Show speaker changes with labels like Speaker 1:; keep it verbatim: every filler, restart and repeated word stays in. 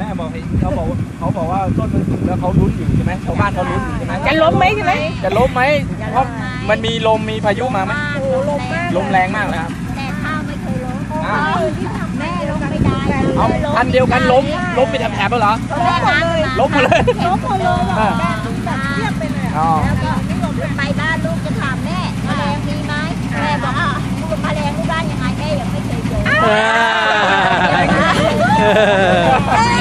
Speaker 1: ม่บอกเขาบอกเขาบอกว่าต้นมันสูงแล้วเขาลุ้นอยู่ใช่ไหมชาวบ้านเขาลุ้นอยู่ใช่ไหม
Speaker 2: จะล้มไหมใช่ไหม
Speaker 1: จะล้มไหมเพราะมันมีลมมีพายุมาไหม
Speaker 2: โอ้ลมมาก
Speaker 1: ลมแรงมากเลยครับ
Speaker 3: แต่ข้าวไม่เคยล้ม
Speaker 1: อ้าว
Speaker 3: แม่ล้มไม่ได้
Speaker 1: เอาอันเดียวกันล้มล้มเป็นแถบๆแล้วเหรอ
Speaker 3: แม่น้ำ
Speaker 1: ล้มหมดเลย
Speaker 3: ล้มหมดเลย
Speaker 1: อ่า
Speaker 3: แม่ล้มแบบเทียบไปเลย
Speaker 1: อ๋อ
Speaker 3: แล้วก็ไปบ้านลูกจะถามแม่แมลงมีไหมแม่บอกอ่ะลูกแมลงที่บ้านยังไงแม่ยังไม่เคยเจอ
Speaker 1: เออ